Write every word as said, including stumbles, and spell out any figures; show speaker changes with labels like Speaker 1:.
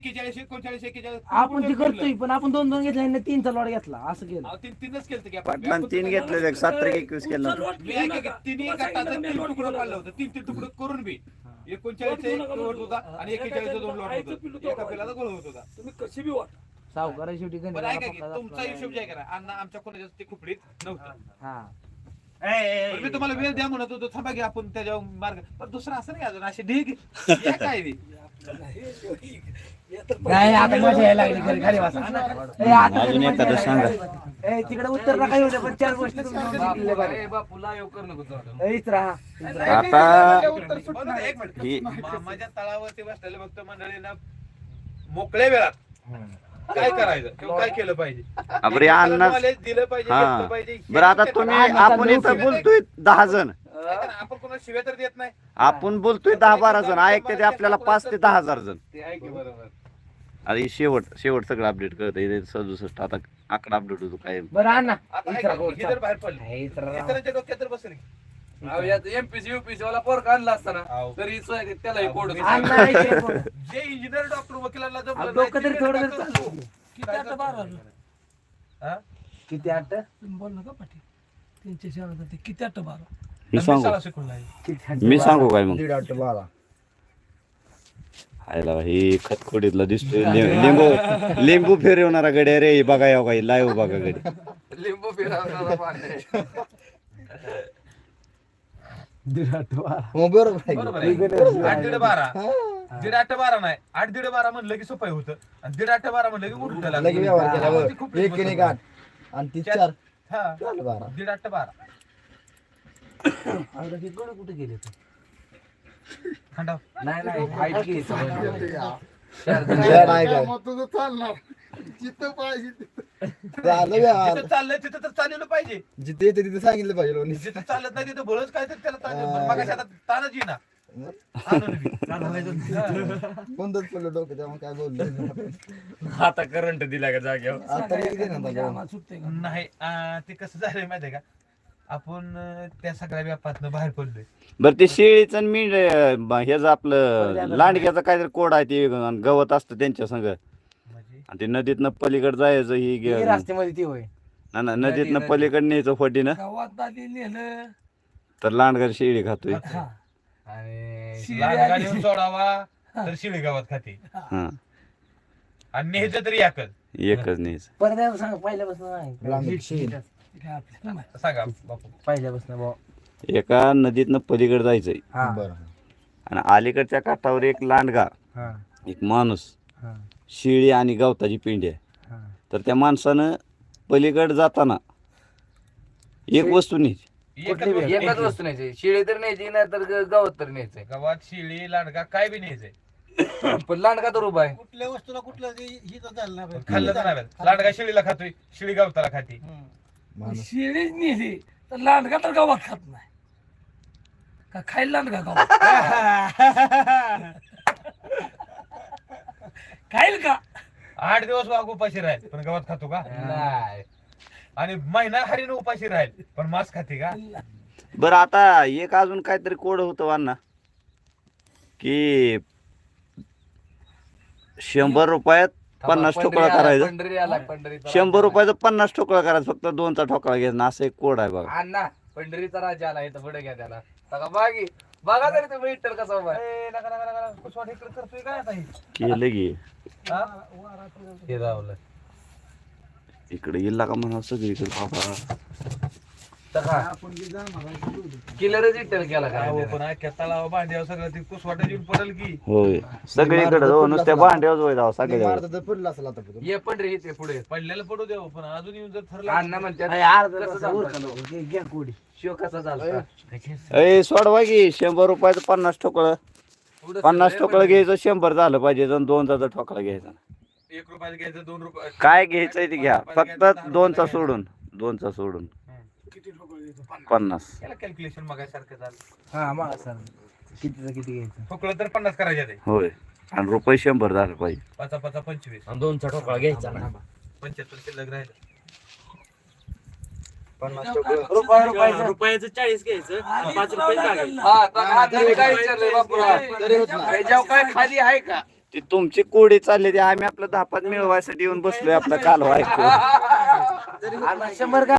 Speaker 1: एक्केचाळीस एकोणचाळीस एक्केचाळीस
Speaker 2: आपण ते करतोय पण आपण दोन दोन घेतले तीनचा लॉट घेतला असं केलं.
Speaker 1: अहो, तीन तीनच केलं की आपण.
Speaker 3: पाटलान तीन घेतले सात तारीख एकवीस केलं
Speaker 1: मी ऐका की तिन्ही गटाचं तीन तुकडं पाडलं होतं तीन तीन तुकडं करून बी एकोणचाळीस एक होत होता आणि एक्केचाळीस दोन लॉट होतं एका पिलाचा गोळ होत होता.
Speaker 4: तुम्ही कशी बी वाट
Speaker 2: सावकारा शेवटी
Speaker 1: पण
Speaker 2: गणित
Speaker 1: ऐका की तुमचा हिशोब जे आहे का अण्णा आमच्या कोणाच्या ते खुपडीत नव्हतं.
Speaker 2: हा
Speaker 1: पण मी तुम्हाला वेळ द्या म्हणत होतो थांबा की आपण त्याच्यावर मार्ग पण दुसरा असं नाही अजून असे ढीग या काय बी.
Speaker 2: नाही आता मजा यायला लागली घरी खाली वाचा ए, आता
Speaker 3: अजून एखादं सांगा.
Speaker 2: ए, तिकडे उत्तर नका येऊ दे, पण चार गोष्टी तुम्ही सांगितल्या बरे.
Speaker 4: बापूला येऊ कर नको
Speaker 2: ए, इथं राहा.
Speaker 3: आता
Speaker 1: बरं, एक मिनिट
Speaker 3: ही
Speaker 1: मामाच्या तळावरती बसलेले भक्त मंडळींना मोकळ्या वेळात काय करायचं किंवा काय केलं पाहिजे
Speaker 3: बरे अण्णा
Speaker 1: knowledge दिलं पाहिजे
Speaker 3: हा
Speaker 1: घेतलं पाहिजे.
Speaker 3: बरं आता तुम्ही आपण इथं बोलतोय दहा जण
Speaker 1: ऐका ना, आपण कोणाला शिव्या तर देत नाही.
Speaker 3: आपण बोलतोय दहा बारा जण ऐकते ते आपल्याला पाच ते दहा हजार जण.
Speaker 1: ते आहे की बरोबर.
Speaker 3: अरे शेवट शेवट सगळं अपडेट करत सदुसष्ट आता आकडा अपडेट होतो काय
Speaker 2: बरं अण्णा
Speaker 1: आता
Speaker 2: इथं
Speaker 1: ऐका,
Speaker 2: राहा,
Speaker 1: हे जर बाहेर पडलं
Speaker 2: हे इथं राहा.
Speaker 1: इतरांच्या डोक्यात तर बसेल की.
Speaker 4: एमपीसी युपीसी वाला पोर आणला असताना
Speaker 1: अहो.
Speaker 4: तरी सोय- त्याला कोड
Speaker 2: अण्णा इथे बोल.
Speaker 1: जे इंजिनियर डॉक्टर वकिलांना
Speaker 2: अहो,
Speaker 1: जमलं
Speaker 2: डोकं तरी
Speaker 1: नाही,
Speaker 2: थोडं
Speaker 1: ते
Speaker 2: तरी
Speaker 1: डॉक्टर
Speaker 2: चालू.
Speaker 4: किती आता बारा
Speaker 1: हा?
Speaker 2: किती आठ
Speaker 4: बोल नका पाटील त्यांच्या शहरात ते किती आठ बारा
Speaker 3: मी
Speaker 1: मी
Speaker 3: सांगू
Speaker 1: शाळा शिकून नाही.
Speaker 2: किती आठ
Speaker 3: मी सांगू काय मग
Speaker 2: दीड आठ बारा
Speaker 3: आयला हे खतखोडीतला दिसतोय लि- लिंबू लिंबू फिरवणारा गड्या रे हे बघा या काही लाईव्ह बघा गडी
Speaker 4: लिंबू फिरवणारा पाणी
Speaker 2: दीड आठ बारा
Speaker 1: बरोबर आहे. आठ दीड बारा दीड आठ बारा नाही आठ दीड बारा म्हणलं की सोपं होतं आणि दीड आठ बारा म्हणलं की उलटं लागलं.
Speaker 5: लगे व्यवहार केल्यावर
Speaker 1: ती खूप
Speaker 5: एक आणि एक आठ आणि ती चार
Speaker 1: हा
Speaker 5: चार बारा
Speaker 1: दीड आठ बारा
Speaker 2: आता ते गड कुठे गेले ते?
Speaker 1: खंडाव
Speaker 2: नाही नाही हाईट गेली
Speaker 5: चार आहे काय
Speaker 6: तुझं चालणार जिथं पाहिजे
Speaker 5: झालं व्यवहार
Speaker 1: जिथं चाललंय तिथं तर चाललेलं पाहिजे
Speaker 5: जिथे येते तिथे सांगितलं पाहिजे लोणी.
Speaker 1: जिथं चालत नाही तिथं बळच काय तर त्याला ताण- मगाशी आता ताणच येईना. आणून बी.
Speaker 5: कोणतंच पडलं डोकं त्यामुळे काय बोललं
Speaker 4: आता करंट दिला का जाग्यावर
Speaker 5: आता येते ना आता.
Speaker 1: नाही आ, ते कसं झालंय माहितीये का आपण अं, त्या सगळ्या व्यापातनं बाहेर पडलोय.
Speaker 3: बरं ते शेळीचं मी ह्याचं आपलं लांडग्याचं काहीतरी कोड आहे ते आणि गवत असतं त्यांच्या संग
Speaker 1: म्हणजे
Speaker 3: आणि ते नदीतनं पलीकडे जायचं ही
Speaker 2: हे
Speaker 3: गे-
Speaker 2: रस्त्यामध्ये ती होय
Speaker 3: ना ना, नदीतनं पलीकडे न्यायचं फटीनं
Speaker 4: गावात आली नेलं
Speaker 3: तर लांडगर शेळी खातोय
Speaker 1: आणि लांडगा नेऊन सोडावा तर शिळी गावात खाते
Speaker 3: हा
Speaker 1: आणि न्यायचं तरी याकल.
Speaker 3: एकच न्यायचं
Speaker 2: परत एकदा सांग पहिल्यापासून
Speaker 5: लांब
Speaker 2: नाही
Speaker 5: शेण.
Speaker 1: सांगा बापू.
Speaker 2: पहिल्यापासून भाऊ
Speaker 3: एका नदीतनं पलीकडे जायचंय
Speaker 2: हा
Speaker 5: बरं
Speaker 3: आणि अलीकडच्या काठावर एक लांडगा
Speaker 2: हा
Speaker 3: एक माणूस
Speaker 2: हा
Speaker 3: शेळी आणि गवताची पिंडी आहे
Speaker 2: हा
Speaker 3: तर त्या माणसानं पलीकडे जाताना एक वस्तू न्यायची
Speaker 1: एकच
Speaker 2: कुठली
Speaker 1: वस्तू
Speaker 4: एकच
Speaker 1: न्यायची.
Speaker 4: वस्तू न्यायची शिळे तर न्यायची नाही तर गवत तर न्यायचंय
Speaker 1: गावात शिळी लांडगा काय बी न्यायचंय.
Speaker 4: पण लांडका तर उभा आहे
Speaker 6: कुठल्या वस्तूला कुठलं ही तर झालं नाही पाहिजे.
Speaker 1: खाल्लं तर नाही. लांडगा शिळीला खातोय शिळी गवताला खाते.
Speaker 5: माणूस
Speaker 4: शिळीच नेली तर लांडका तर गावात खात नाही का खायला लांडका गावात खाईल का
Speaker 1: आठ दिवस वाघ उपाशी राहील पण गावात खातो का
Speaker 4: नाही
Speaker 1: आणि महिना हरीण उपाशी राहील पण मांस खाते का.
Speaker 3: बरं आता एक अजून काहीतरी कोड होतं वान्ना की शंभर रुपयात पन्नास ठोकळा करायचं
Speaker 4: पंढरी आला पंढरी
Speaker 3: शंभर रुपयाचं पन्नास ठोकळा करायचं फक्त दोनचा ठोकळा घ्यायचा असं एक कोड आहे बघा
Speaker 4: अण्णा पंढरीचा राजा आला इथं पुढे घ्या त्याला बघा बागी बघा तरी तुम्ही विठ्ठल कसा उभा आहे.
Speaker 1: ए, नका नका नका कुसवाड इकडे करतोय काय आता हे?
Speaker 3: केलं की
Speaker 1: हा? हे रावलं.
Speaker 3: इकडे येईल का म्हणा सगळीकडे बाबा
Speaker 4: किलरच विठ्ठल केला काय
Speaker 1: अहो, पण अख्ख्या तलाव भांड्यावर सगळं ती कुसवाटा येऊन पडेल की.
Speaker 3: होय सगळीकडे हो नुसत्या भांड्यावर होय जाऊ सगळ्या
Speaker 5: मारता तर पडलं असेल आता पुढं.
Speaker 4: ये पंढरी इथे पुढे
Speaker 1: पडलेलं पडू देऊ पण अजून येऊन जर ठरलं
Speaker 4: अण्णा म्हणतात
Speaker 2: अरे अर्धा
Speaker 4: कसं
Speaker 2: तास
Speaker 4: झालं
Speaker 2: उरकलं.
Speaker 4: तो?
Speaker 2: घे- घ्या कोडी
Speaker 4: शिव कसा झाला
Speaker 3: ए सोडवा की शंभर रुपयाचं पन्नास ठोकळं पन्नास ठोकळं घ्यायचं शंभर झालं पाहिजे आणि दोनचा ठोकळा घ्यायचा
Speaker 1: एक रुपयाचं घ्यायचं दोन रुपये
Speaker 3: काय घ्यायचंय ते घ्या फक्त दोनचा सोडून दोनचा सोडून पन्नास
Speaker 1: याला कॅल्क्युलेशन मगासारखं झालं.
Speaker 2: हा मग सर कितीचं किती घ्यायचं
Speaker 1: ठोकलं तर पन्नास करायचे ते
Speaker 3: होय आणि रुपये शंभर झालं पाहिजे
Speaker 1: पाचा पाचा पंचवीस
Speaker 2: दोनचा ठोकळा घ्यायचा ना
Speaker 1: पंच्याहत्तर शिल्लक राहिलं.
Speaker 5: पन्नास ठोकळं.
Speaker 2: रुपया रुपयाचं
Speaker 7: रुपयाचं चाळीस घ्यायचं पाच रुपये टाकायचं.
Speaker 4: हा तर आता मी काय विचारलंय बापूला
Speaker 5: तरी होत नाही.
Speaker 4: त्याच्यावर काय खाली आहे का
Speaker 3: ती तुमची कोडी चालली ती आम्ही आपलं धापात मिळवायसाठी येऊन बसलोय आपला कालवा ऐकून
Speaker 2: आणि शंभर का